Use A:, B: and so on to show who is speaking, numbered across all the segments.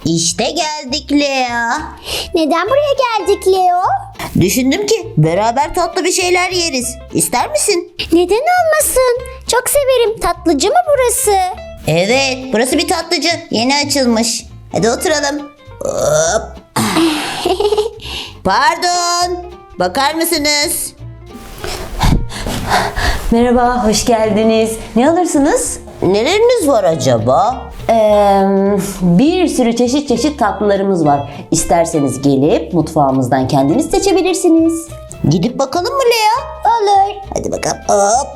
A: İşte geldik Lea.
B: Neden buraya geldik Leo?
A: Düşündüm ki beraber tatlı bir şeyler yeriz. İster misin?
B: Neden olmasın? Çok severim. Tatlıcı mı burası?
A: Evet, burası bir tatlıcı. Yeni açılmış. Hadi oturalım. Hop. Pardon. Bakar mısınız?
C: Merhaba, hoş geldiniz. Ne alırsınız?
A: Neleriniz var acaba?
C: Bir sürü çeşit tatlılarımız var. İsterseniz gelip mutfağımızdan kendiniz seçebilirsiniz.
A: Gidip bakalım mı Lea?
B: Olur.
A: Hadi bakalım. Hop.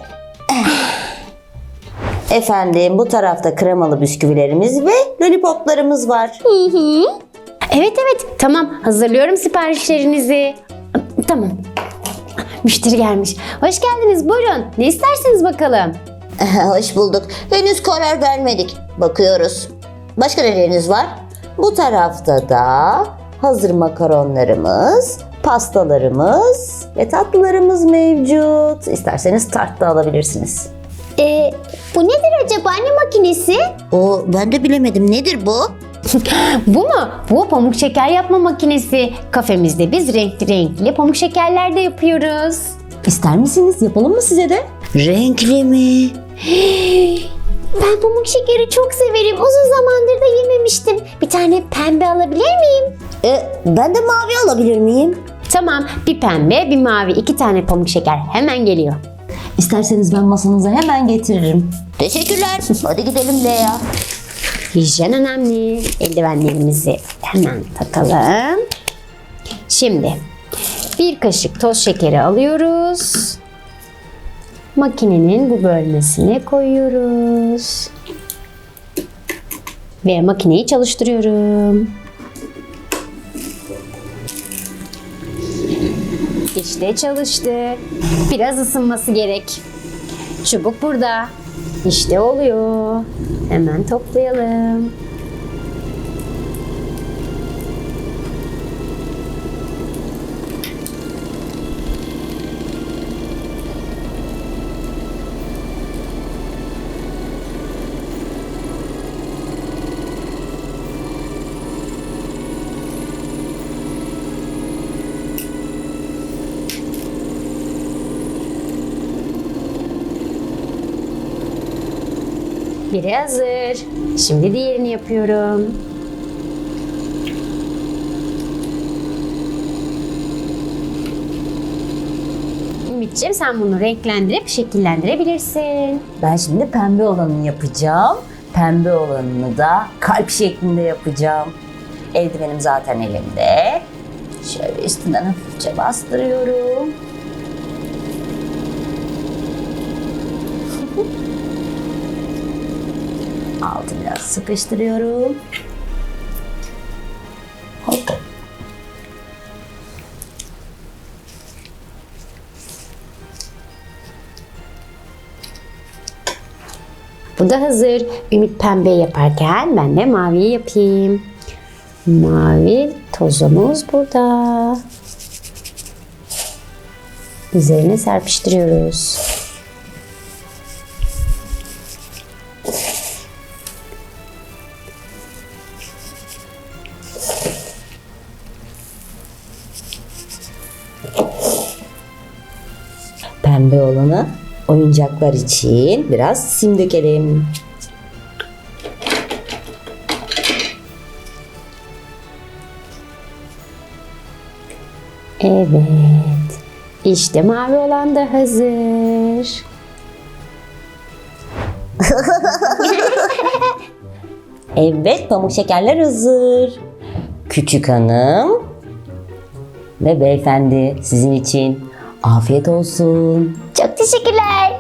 C: Efendim, bu tarafta kremalı bisküvilerimiz ve lollipoplarımız var.
D: Evet tamam, hazırlıyorum siparişlerinizi. Tamam. Müşteri gelmiş. Hoş geldiniz, buyurun. Ne istersiniz bakalım?
A: Hoş bulduk. Henüz karar vermedik. Bakıyoruz. Başka neleriniz var?
C: Bu tarafta da hazır makaronlarımız, pastalarımız ve tatlılarımız mevcut. İsterseniz tart da alabilirsiniz.
B: Bu nedir acaba? Ne makinesi?
A: Ben de bilemedim. Nedir bu?
D: Bu mu? Bu pamuk şeker yapma makinesi. Kafemizde biz renkli pamuk şekerler de yapıyoruz.
C: İster misiniz? Yapalım mı size de?
A: Renkli mi?
B: Ben pamuk şekeri çok severim. Uzun zamandır da yememiştim. Bir tane pembe alabilir miyim?
A: Ben de mavi alabilir miyim?
D: Tamam, bir pembe, bir mavi, 2 tane pamuk şeker hemen geliyor.
C: İsterseniz ben masanıza hemen getiririm.
A: Teşekkürler. Hadi gidelim Lea.
D: Hijyen önemli. Eldivenlerimizi hemen takalım. Şimdi bir kaşık toz şekeri alıyoruz. Makinenin bu bölmesine koyuyoruz. Ve makineyi çalıştırıyorum. İşte çalıştı. Biraz ısınması gerek. Çubuk burada. İşte oluyor. Hemen toplayalım. Biri hazır. Şimdi diğerini yapıyorum. Ümitciğim, sen bunu renklendirip şekillendirebilirsin.
C: Ben şimdi pembe olanını yapacağım. Pembe olanını da kalp şeklinde yapacağım. Eldivenim zaten elimde. Şöyle üstünden hafifçe bastırıyorum. Altı biraz sıkıştırıyorum. Hop.
D: Bu da hazır. Ümit pembe yaparken ben de maviyi yapayım. Mavi tozumuz burada. Üzerine serpiştiriyoruz.
C: Pembe olanı oyuncaklar için biraz sim dökelim.
D: Evet. İşte mavi olan da hazır.
C: Evet, pamuk şekerler hazır. Küçük hanım ve beyefendi, sizin için afiyet olsun.
B: Çok teşekkürler.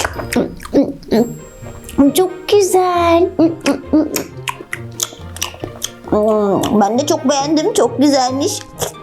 B: Çok güzel.
A: Ben de çok beğendim. Çok güzelmiş.